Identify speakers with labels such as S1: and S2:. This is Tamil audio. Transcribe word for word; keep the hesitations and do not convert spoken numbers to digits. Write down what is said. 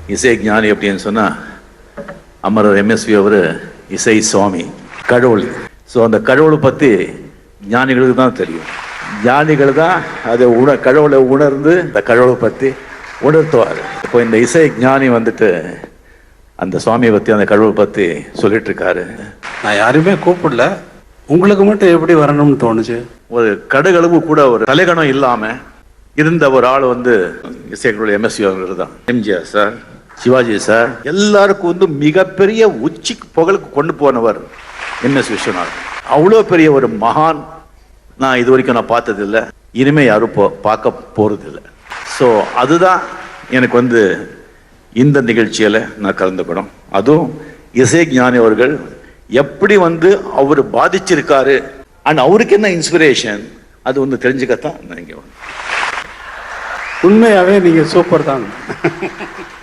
S1: இசை ஞானி அப்படின்னு சொன்னால் அமரர் எம்எஸ்வி அவர் இசை சுவாமி, கடவுள். ஸோ அந்த கடவுளை பற்றி ஞானிகளுக்கு தான் தெரியும். ஞானிகள் தான் அதை உண கடவுளை உணர்ந்து அந்த கடவுளை பற்றி உணர்த்துவார். இப்போ இந்த இசை ஞானி வந்துட்டு அந்த சுவாமியை பற்றி அந்த கடவுளை பற்றி சொல்லிட்டு இருக்காரு.
S2: நான் யாருமே கூப்பிடல, உங்களுக்கு மட்டும் எப்படி வரணும்னு தோணுச்சு?
S1: ஒரு கடுகளவு கூட ஒரு தலைகணம் இல்லாமல் இருந்த ஒரு ஆள் வந்து இசைகளுடைய எம்எஸ்வி அவர்கள் தான். எம்ஜிஆர் சார், சிவாஜி சார், எல்லாருக்கும் வந்து மிகப்பெரிய உச்சிக்கு புகழுக்கு கொண்டு போனவர் எம்எஸ் விஸ்வநாதன். அவ்வளோ பெரிய ஒரு மகான் நான் இது வரைக்கும் நான் பார்த்ததில்லை, இனிமேல் யாரும் போ பார்க்க போகிறதில்லை. ஸோ அதுதான் எனக்கு வந்து இந்த நிகழ்ச்சியில் நான் கலந்துக்கணும். அதுவும் இசை ஞானி அவர்கள் எப்படி வந்து அவர் பாதிச்சிருக்காரு அண்ட் அவருக்கு என்ன இன்ஸ்பிரேஷன் அது வந்து தெரிஞ்சுக்கத்தான் நான் இங்கே.
S2: உண்மையாகவே நீங்கள் சூப்பர் தான்.